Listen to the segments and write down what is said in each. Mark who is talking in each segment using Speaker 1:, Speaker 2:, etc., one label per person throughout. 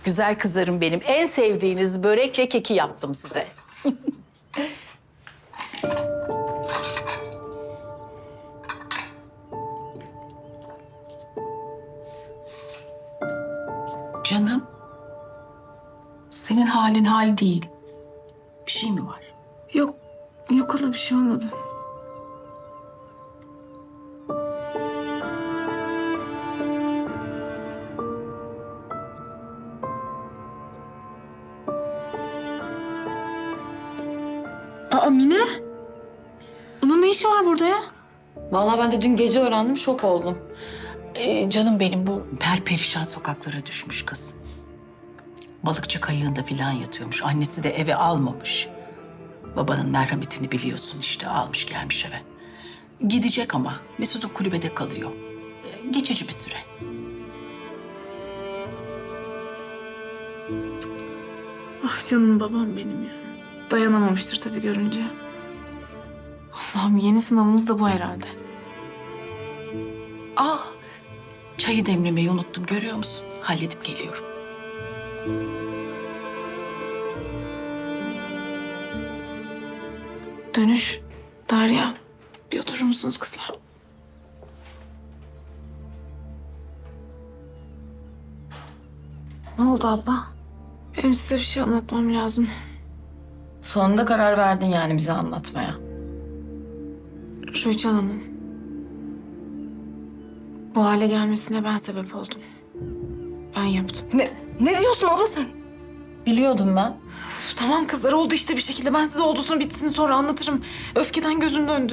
Speaker 1: güzel kızlarım benim. En sevdiğiniz börekle keki yaptım size. Canım, senin halin hal değil. Bir şey mi var?
Speaker 2: Yok, yok hala bir şey olmadı. Aa Mine? Onun ne işi var burada ya?
Speaker 3: Vallahi ben de dün gece öğrendim, şok oldum.
Speaker 1: Canım benim bu perperişan sokaklara düşmüş kız. Balıkçı kayığında filan yatıyormuş. Annesi de eve almamış. Babanın merhametini biliyorsun işte almış gelmiş eve. Gidecek ama Mesut'un kulübede kalıyor. Geçici bir süre.
Speaker 2: Ah canım babam benim ya. Dayanamamıştır tabii görünce. Allah'ım yeni sınavımız da bu herhalde.
Speaker 1: Çayı demlemeyi unuttum görüyor musun? Halledip geliyorum.
Speaker 2: Dönüş. Derya. Bir oturur musunuz kızlar?
Speaker 3: Ne oldu abla?
Speaker 2: Benim size bir şey anlatmam lazım.
Speaker 3: Sonunda karar verdin yani bize anlatmaya.
Speaker 2: Rüçhan Hanım. Bu hale gelmesine ben sebep oldum. Ben yaptım.
Speaker 3: Ne diyorsun abla sen? Biliyordum ben.
Speaker 2: Üf, tamam kızlar oldu işte bir şekilde. Ben size olduğusunu bitsin sonra anlatırım. Öfkeden gözüm döndü.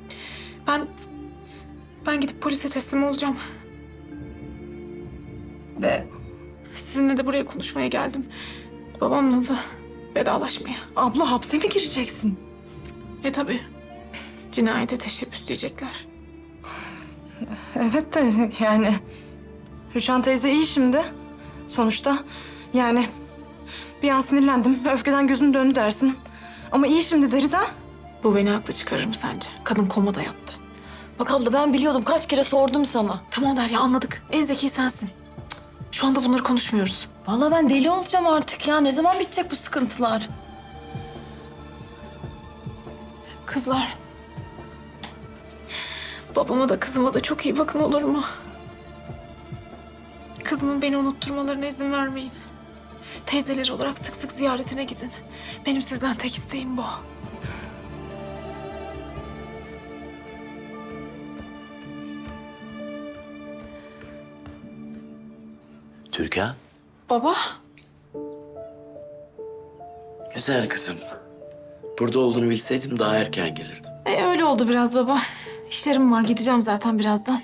Speaker 2: Ben gidip polise teslim olacağım.
Speaker 3: Ve
Speaker 2: Sizinle de buraya konuşmaya geldim. Babamla da vedalaşmaya.
Speaker 4: Abla hapse mi gireceksin?
Speaker 2: Tabii. Cinayete teşebbüs diyecekler.
Speaker 4: Evet de yani Rüçhan teyze iyi şimdi. Sonuçta yani bir an sinirlendim. Öfkeden gözüm döndü dersin. Ama iyi şimdi deriz ha.
Speaker 2: Bu beni haklı çıkarır mı sence? Kadın komada yattı.
Speaker 3: bak abla ben biliyordum, kaç kere sordum sana.
Speaker 2: Tamam Derya anladık. En zeki sensin. Cık, şu anda bunları konuşmuyoruz.
Speaker 3: Vallahi ben deli olacağım artık ya. Ne zaman bitecek bu sıkıntılar?
Speaker 2: Kızlar. Babama da kızıma da çok iyi bakın olur mu? Kızımın beni unutturmalarına izin vermeyin. Teyzeleri olarak sık sık ziyaretine gidin. Benim sizden tek isteğim bu.
Speaker 5: Türkan,
Speaker 2: Baba.
Speaker 5: güzel kızım. Burada olduğunu bilseydim daha erken gelirdim.
Speaker 2: Öyle oldu biraz baba. İşlerim var gideceğim zaten birazdan.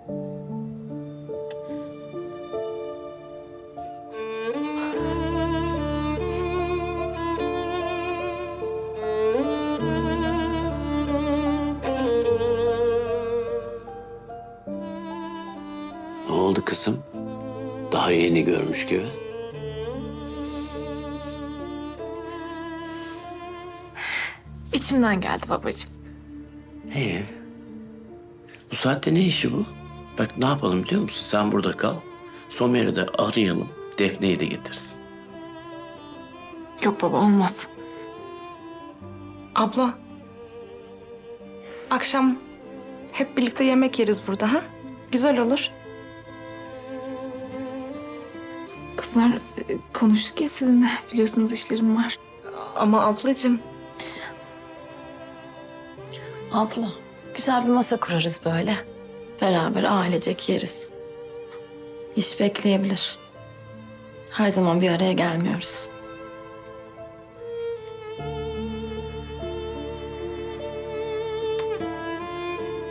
Speaker 5: Ne oldu kızım? Daha yeni görmüş gibi.
Speaker 2: İçimden geldi babacığım.
Speaker 5: İyi. Bu saatte ne işi bu? Bak ne yapalım biliyor musun? Sen burada kal. Somer'i de arayalım. Defne'yi de getirsin.
Speaker 2: Yok baba olmaz.
Speaker 4: Abla. Akşam hep birlikte yemek yeriz burada ha. Güzel olur.
Speaker 2: Kızlar konuştuk ya sizinle. Biliyorsunuz işlerim var.
Speaker 4: Ama ablacığım.
Speaker 3: Abla, güzel bir masa kurarız böyle. Beraber ailecek yeriz. İş bekleyebilir. Her zaman bir araya gelmiyoruz.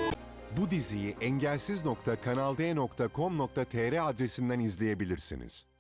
Speaker 6: Bu diziyi engelsiz.kanalde.com.tr adresinden izleyebilirsiniz.